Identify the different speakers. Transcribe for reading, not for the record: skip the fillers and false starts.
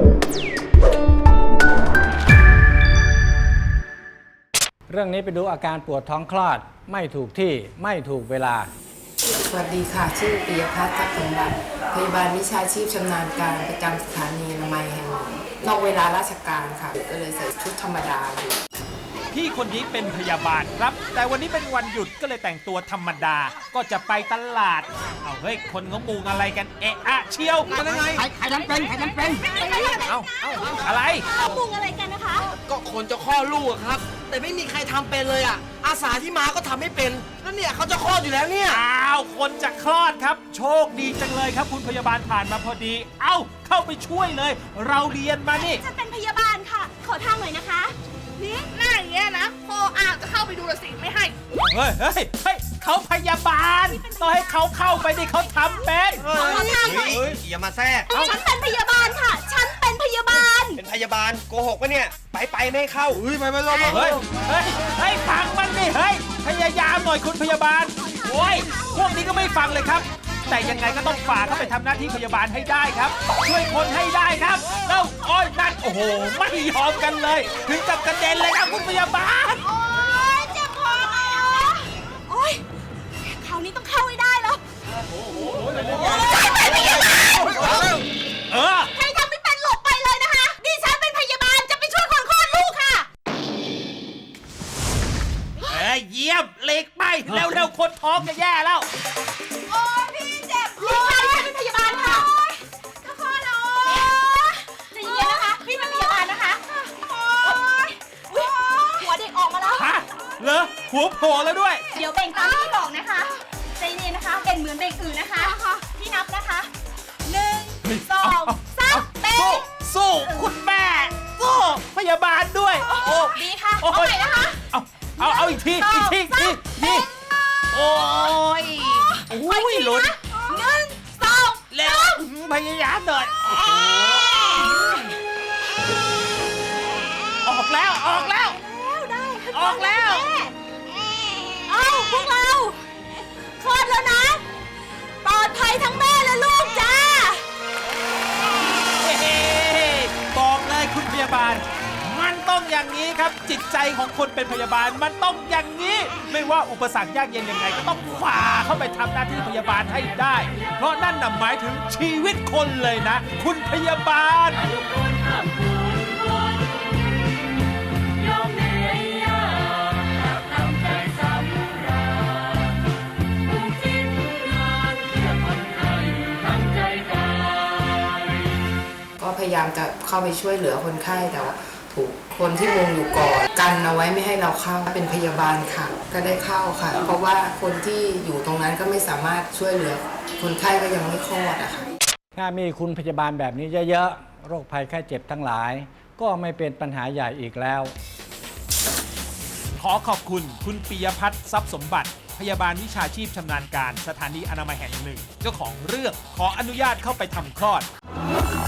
Speaker 1: เรื่องนี้ไปดูอาการปวดท้องคลอดไม่ถูกที่ไม่ถูกเวลา
Speaker 2: สวัสดีค่ะชื่อปิยพัฒน์ทัพสมบัติพยาบาลวิชาชีพชำนาญการประจำสถานีอนามัยแห่งหนึ่งนอกเวลาราชการค่ะก็เลยใส่ชุดธรรมดาอยู่
Speaker 3: พี่คนนี้เป็นพยาบาลครับ แต่วันนี้เป็นวันหยุดก็เลยแต่งตัวธรรมดาก็จะไปตลาดเอาเฮ้ยคนงมุงอะไรกันเอะอะเชียวกันยังไงใครทำเป็นเอาอะไร
Speaker 4: มุงอะไรกันนะคะ
Speaker 5: ก็คนจะคลอดลูกอะครับ แต่ไม่มีใครทำเป็นเลยอ่ะอาสาที่มาก็ทำไม่เป็นแล้วเนี่ยเขาจะคลอดอยู่แล้วเนี่ย
Speaker 3: อ้าวคนจะคลอดครับ โชคดีจังเลยครับคุณพยาบาลผ่านมาพอดีเอ้าเข้าไปช่วยเลย เราเรียนมานี่
Speaker 4: ฉันเป็นพยาบาลค่ะ ขอทางหน่อยนะคะนี่หน้าอย่างเงี้ยนะพออ่างจะเข้าไปดูละสิไม่ให้
Speaker 3: เฮ้ยเขาพยาบาลต้องให้เขาเข้าไปดิเขาทำเป็น
Speaker 4: ขอทางหน่อย
Speaker 5: อย่ามาแทรก
Speaker 4: ฉันเป็นพยาบาลค่ะ ฉันเป็นพยาบาล
Speaker 5: เป็นพยาบาลโกหกปะเนี่ยไปไม่ให้เข้าไปลง
Speaker 3: เฮ้ยฟังมันดิเฮ้ยพยายามหน่อยคุณพยาบาลโอ้ยพวกนี้ก็ไม่ฟังเลยครับ แต่ยังไงก็ต้องฝ่าเข้าไปทำหน้าที่พยาบาลให้ได้ครับ ช่วยคนให้ได้ครับแล้วอ้อยนั่นโอ้โหไม่ยอมกันเลย ถึงกับกระเด็นเลยครับคุณพยาบาล
Speaker 4: โอ๊ยเจ็บคอโอ๊ยคราวนี้ต้องเข้าให้ได้แล้วฉันเป็นพยาบาล
Speaker 3: เออ
Speaker 4: ใครทำไม่เป็นหลบไปเลยนะคะดิฉันเป็นพยาบาลจะไปช่วยคนคลอดลูกค่ะ
Speaker 3: เยี่ยมเล็กไปเร็วๆคนท้องจะแย่แล้ว
Speaker 4: โอ๊ยพี่เจ็บพี่ชายเป็นพยาบาลค่ะจะคลอดแล้วใจเย็นนะคะพี่เป็นพยาบาลนะคะโอ๊ยหัวเด็กออกมาแล้ว
Speaker 3: ฮะเหรอหัวโผล่แล้วด้วย
Speaker 4: เดี๋ยวเบ่งตามที่บอกนะคะใจเย็นนะคะเบ่งเหมือนเบ่งอื่นนะคะพี่นับนะคะ1 2 3เบ่ง
Speaker 3: สู้คุณแม่สู้พยาบาลด้วยโอ้
Speaker 4: ดีค่ะเอาใหม่นะคะ
Speaker 3: เอาอีกทีโอ้ยโอ้ยหลุด
Speaker 4: 1 2
Speaker 3: เร็วพยายามหน่อยออกแล้ว
Speaker 4: แล้วได้
Speaker 3: ออกแล้ว
Speaker 4: เอาพวกเราคลอดแล้วนะปลอดภัยทั้งแม่และลูกจ้า
Speaker 3: บอกเลยคุณพยาบาลมันต้องอย่างนี้ครับจิตใจของคนเป็นพยาบาลมันต้องอย่างนี้ ไม่ว่าอุปสรรคยากเย็นยังไงก็ต้องฝ่าเข้าไปทำหน้าที่พยาบาลให้ได้ เพราะนั่นน่ะหมายถึงชีวิตคนเลยนะ คุณพยาบาล
Speaker 2: ก็พยายามจะเข้าไปช่วยเหลือคนไข้แต่ว่าถูกคนที่มุงอยู่ก่อนกันเอาไว้ไม่ให้เราเข้าเป็นพยาบาลค่ะ ก็ได้เข้าค่ะ เพราะว่าคนที่อยู่ตรงนั้นก็ไม่สามารถช่วยเหลือคนไข้ก็ยังไม่คลอดอะค่ะ
Speaker 1: ถ้ามีคุณพยาบาลแบบนี้เยอะๆ โรคภัยไข้เจ็บทั้งหลาย ก็ไม่เป็นปัญหาใหญ่อีกแล้ว
Speaker 3: ขอขอบคุณคุณปิยพัฒน์ทรัพย์สมบัติ พยาบาลวิชาชีพชำนาญการสถานีอนามัยแห่งหนึ่ง เจ้าของเรื่องขออนุญาตเข้าไปทำคลอด